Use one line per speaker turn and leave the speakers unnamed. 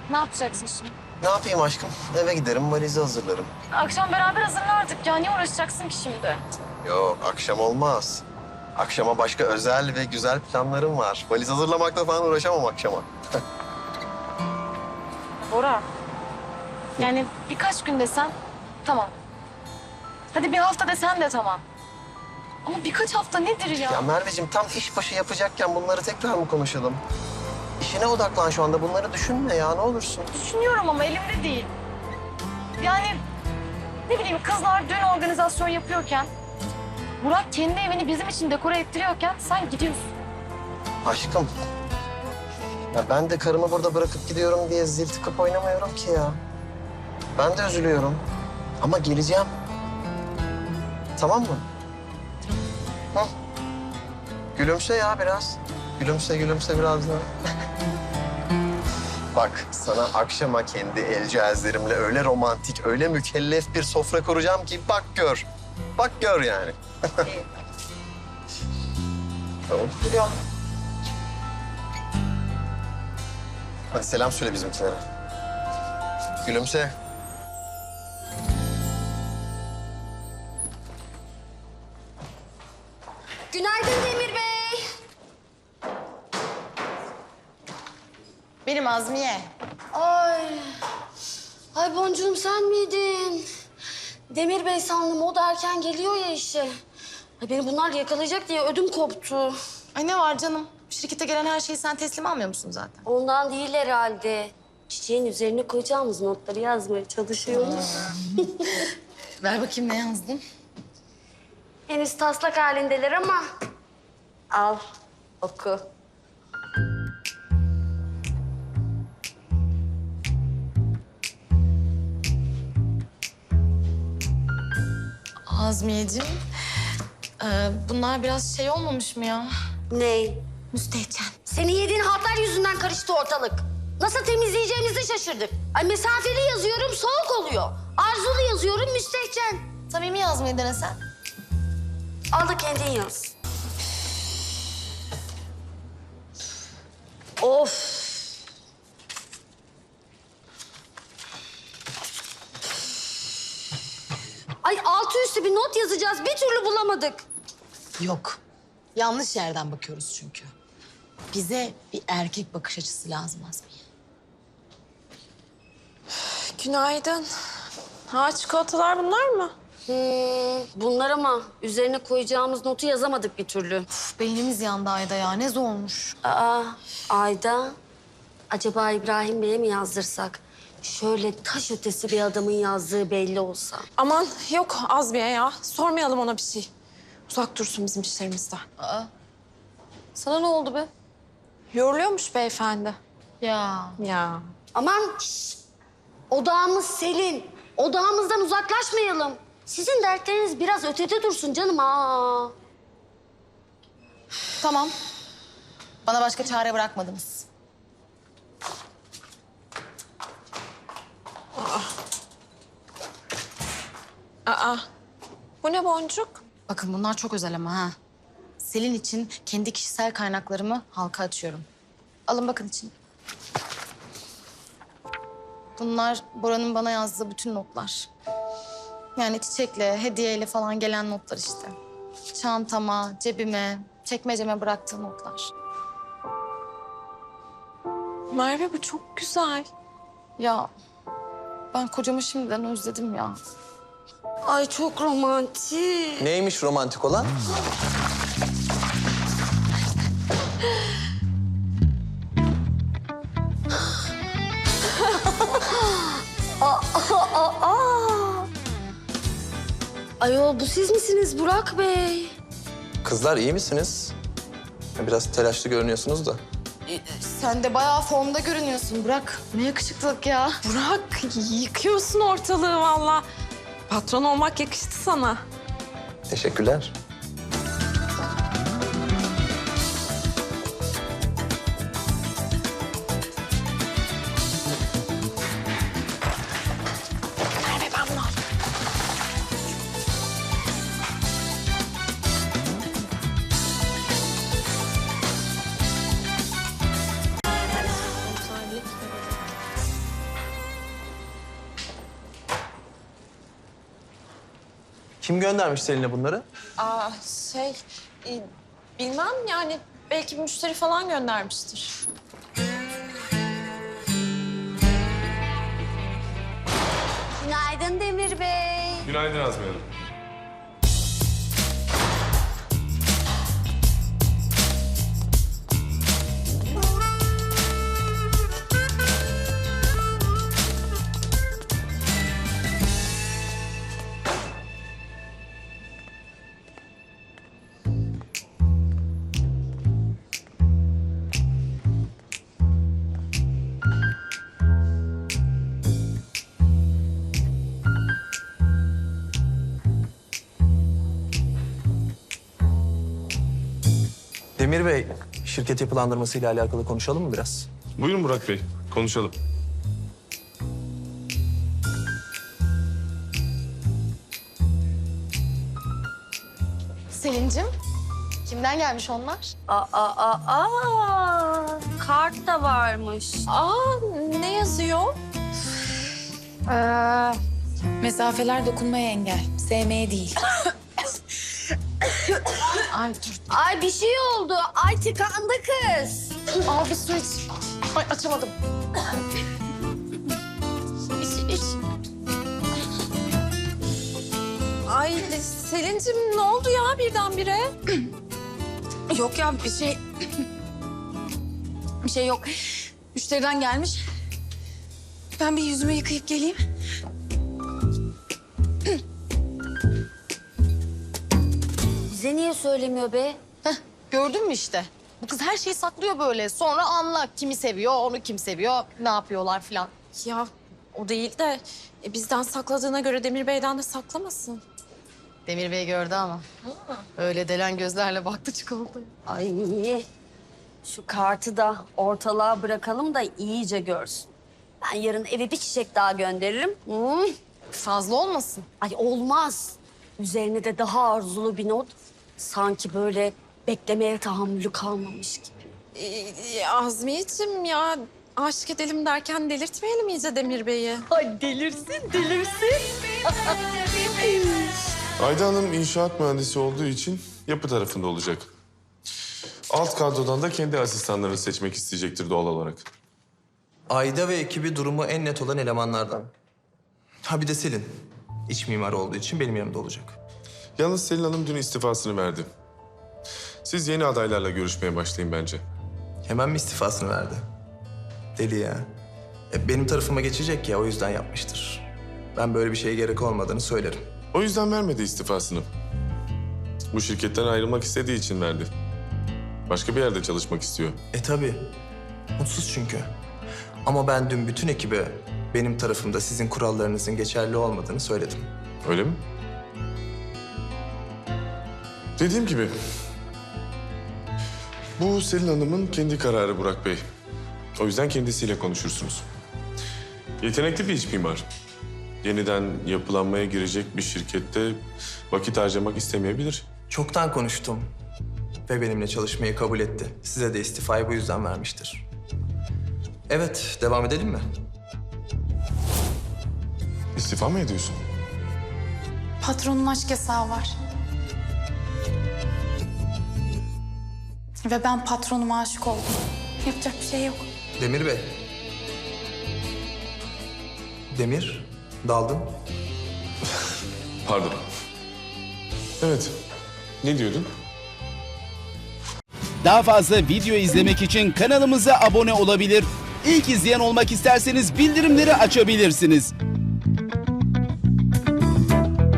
Ne yapacaksın şimdi?
Ne yapayım aşkım? Eve giderim, valizi hazırlarım.
Akşam beraber hazırlardık ya. Niye uğraşacaksın ki şimdi?
Yok, akşam olmaz. Akşama başka özel ve güzel planlarım var. Valiz hazırlamakla falan uğraşamam akşama.
Bora. Yani birkaç gün desen tamam. Hadi bir hafta desen de tamam. Ama birkaç hafta nedir ya?
Ya Merveciğim, tam iş başı yapacakken bunları tekrar mı konuşalım? İşine odaklan şu anda. Bunları düşünme ya, ne olursun.
Düşünüyorum ama elimde değil. Yani ne bileyim kızlar düğün organizasyon yapıyorken... Burak kendi evini bizim için dekore ettiriyorken sen gidiyorsun.
Aşkım. Ya ben de karımı burada bırakıp gidiyorum diye zil tıkıp oynamıyorum ki ya. Ben de üzülüyorum. Ama geleceğim. Tamam mı? Hı? Gülümse ya biraz. Gülümse, gülümse biraz daha. Bak, sana akşama kendi el cihazlarımla öyle romantik, öyle mükellef bir sofra kuracağım ki bak gör. Bak gör yani. Tamam.
Biliyorum.
Hadi selam söyle bizimkilere. Gülümse.
Günaydın Demir Bey.
Benim Azmiye.
Ay Boncuğum sen miydin? Demir Bey sandım, o da erken geliyor ya işe. Ay beni bunlar yakalayacak diye ödüm koptu.
Ay ne var canım? Şirkete gelen her şeyi sen teslim almıyor musun zaten?
Ondan değil herhalde. Çiçeğin üzerine koyacağımız notları yazmaya çalışıyoruz.
Ver bakayım ne yazdın?
Henüz taslak halindeler ama al oku.
Azmiyeciğim, bunlar biraz şey olmamış mı ya?
Ney?
Müstehcen.
Senin yediğin hatlar yüzünden karıştı ortalık. Nasıl temizleyeceğimizi şaşırdık. Ay mesafeli yazıyorum, soğuk oluyor. Arzulu yazıyorum, müstehcen.
Samimi yazmayı denesen.
Al da kendin yaz. Of. Ay altı üstü bir not yazacağız. Bir türlü bulamadık.
Yok. Yanlış yerden bakıyoruz çünkü. Bize bir erkek bakış açısı lazım Azmiye.
Günaydın. Ha, çikolatalar bunlar mı?
Bunlar ama üzerine koyacağımız notu yazamadık bir türlü.
Uf, beynimiz yandı Ayda ya. Ne zormuş.
Aa, Ayda. Acaba İbrahim Bey'e mi yazdırsak? Şöyle taş ötesi bir adamın yazdığı belli olsa.
Aman yok Azmiye ya. Sormayalım ona bir şey. Uzak dursun bizim işlerimizden.
Sana ne oldu be?
Yoruluyormuş beyefendi.
Ya.
Ya.
Aman şşt! Odağımız Selin. Odağımızdan uzaklaşmayalım. Sizin dertleriniz biraz ötede dursun canım. Aa.
Tamam. Bana başka çare bırakmadınız.
Aa. Bu ne boncuk?
Bakın bunlar çok özel ama ha. Selin için kendi kişisel kaynaklarımı halka açıyorum. Alın bakın için. Bunlar Bora'nın bana yazdığı bütün notlar. Yani çiçekle, hediyeyle falan gelen notlar işte. Çantama, cebime, çekmeceme bıraktığı notlar.
Merve bu çok güzel.
Ya ben kocamı şimdiden özledim ya.
Ay çok romantik.
Neymiş romantik olan?
Ayol bu siz misiniz Burak Bey?
Kızlar iyi misiniz? Biraz telaşlı görünüyorsunuz da.
Sen de bayağı formda görünüyorsun Burak. Ne yakışıklılık ya.
Burak yıkıyorsun ortalığı valla. Patron olmak yakıştı sana.
Teşekkürler.
Merve ben bunu alayım.
Kim göndermiş Selin'e bunları?
Aa bilmem yani belki bir müşteri falan göndermiştir.
Günaydın Demir Bey.
Günaydın Azmi Hanım.
Demir Bey, şirket yapılandırmasıyla alakalı konuşalım mı biraz?
Buyurun Burak Bey, konuşalım.
Selin'cim, kimden gelmiş onlar?
Kart da varmış.
Aa ne yazıyor?
Mesafeler dokunmaya engel, sevmeye değil.
Ay dur.
Ay bir şey oldu. Ay tıkandı kız.
Al bir su iç. Ay açamadım. İç.
Ay Selin'cim ne oldu ya birdenbire?
Yok ya bir şey... bir şey yok. Müşteriden gelmiş. Ben bir yüzümü yıkayıp geleyim.
Bize niye söylemiyor be?
Gördün mü işte? Bu kız her şeyi saklıyor böyle. Sonra anla kimi seviyor, onu kim seviyor, ne yapıyorlar falan.
Ya o değil de bizden sakladığına göre Demir Bey'den de saklamasın.
Demir Bey gördü ama. Öyle delen gözlerle baktı çikolataya.
Ay şu kartı da ortalığa bırakalım da iyice görsün. Ben yarın eve bir çiçek daha gönderirim.
Fazla olmasın.
Ay olmaz. Üzerine de daha arzulu bir not. Sanki böyle beklemeye tahammülü kalmamış gibi.
Azmiyeciğim ya aşık edelim derken delirtmeyelim iyice Demir Bey'i.
Ay delirsin.
Ayda Hanım inşaat mühendisi olduğu için yapı tarafında olacak. Alt kadrodan da kendi asistanlarını seçmek isteyecektir doğal olarak.
Ayda ve ekibi durumu en net olan elemanlardan. Ha bir de Selin. İç mimar olduğu için benim yanımda olacak.
Yalnız Selin Hanım dün istifasını verdi. Siz yeni adaylarla görüşmeye başlayın bence.
Hemen mi istifasını verdi? Deli ya. Benim tarafıma geçecek ya, o yüzden yapmıştır. Ben böyle bir şeye gerek olmadığını söylerim.
O yüzden vermedi istifasını. Bu şirketten ayrılmak istediği için verdi. Başka bir yerde çalışmak istiyor.
Tabii. Mutsuz çünkü. Ama ben dün bütün ekibe benim tarafımda sizin kurallarınızın geçerli olmadığını söyledim.
Öyle mi? Dediğim gibi... Bu Selin Hanım'ın kendi kararı Burak Bey. O yüzden kendisiyle konuşursunuz. Yetenekli bir iç mimar. Yeniden yapılanmaya girecek bir şirkette vakit harcamak istemeyebilir.
Çoktan konuştum ve benimle çalışmayı kabul etti. Size de istifayı bu yüzden vermiştir. Evet, devam edelim mi?
İstifa mı ediyorsun?
Patronun aşk yasağı var. Ve ben patronuma aşık oldum. Yapacak bir şey yok.
Demir Bey. Demir, daldın.
Pardon. Evet. Ne diyordun?
Daha fazla video izlemek için kanalımıza abone olabilir. İlk izleyen olmak isterseniz bildirimleri açabilirsiniz.